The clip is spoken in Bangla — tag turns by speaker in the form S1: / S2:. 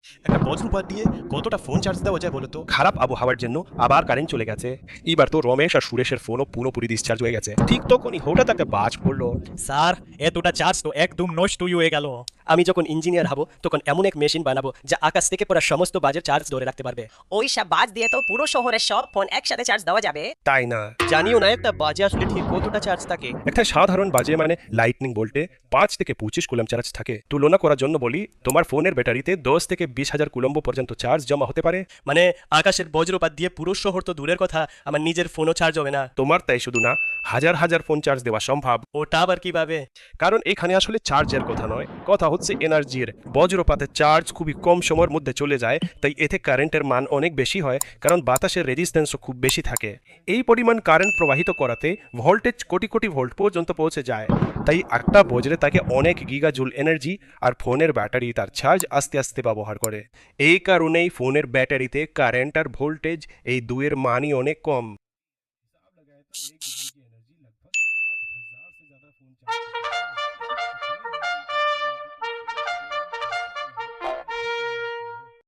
S1: একটা বজ্রপাত দিয়ে কতটা ফোন চার্জ দেওয়া যায় বলো তো?
S2: খারাপ আবহাওয়ার জন্য আবার কারেন্ট চলে গেছে। এবার তো রমেশ আর সুরেশের ফোনও পুরোপুরি ডিসচার্জ হয়ে গেছে। ঠিক তখনই হঠাৎ একটা বাজ পড়লো।
S1: স্যার, এতটা চার্জ তো একদম নষ্টই হয়ে গেল।
S3: আমি যখন ইঞ্জিনিয়ার হব তখন এমন এক মেশিন বানাবো যা আকাশ থেকে পড়া সমস্ত বাজের চার্জ ধরে রাখতে পারবে।
S4: ওই সব বাজ দিয়ে তো পুরো শহরের সব ফোন একসাথে চার্জ দেওয়া যাবে।
S2: তাই না?
S3: জানিও না একটা বাজে আসলে ঠিক কতটা চার্জ থাকে।
S2: একটা সাধারণ বাজে মানে লাইটনিং ভোল্টে 5 থেকে 25 কুলম চার্জ থাকে। তুলনা করার জন্য বলি, তোমার ফোনের ব্যাটারিতে 10 থেকে 20 হাজার কুলম্ব পর্যন্ত চার্জ জমা হতে পারে।
S3: মানে আকাশের বজ্রপাত দিয়ে পুরো শহর তো দূরের কথা, আমার নিজের ফোনও চার্জ হবে না।
S2: তোমার তাই শুধু না, হাজার হাজার ফোন চার্জ দেওয়া সম্ভব।
S3: ওটা আবার কিভাবে?
S2: কারণ এখানে আসলে চার্জের কথা নয়, কথা হচ্ছে এনার্জির। বজ্রপাতের চার্জ খুবই কম সময়ের মধ্যে চলে যায়, তাই এতে কারেন্টের মান অনেক বেশি হয়, কারণ বাতাসের রেজিস্ট্যান্সও খুব বেশি থাকে। এই পরিমাণ কারেন্ট প্রবাহিত করাতে ভোল্টেজ কোটি কোটি ভোল্ট পর্যন্ত পৌঁছে যায়। তাই একটা বজ্রে তাকে অনেক গিগাজুল এনার্জি, আর ফোনের ব্যাটারি তার চার্জ আস্তে আস্তে ব্যবহার করে। এই কারণেই ফোনের ব্যাটারিতে কারেন্ট আর ভোল্টেজ এই দুয়ের মানই অনেক কম।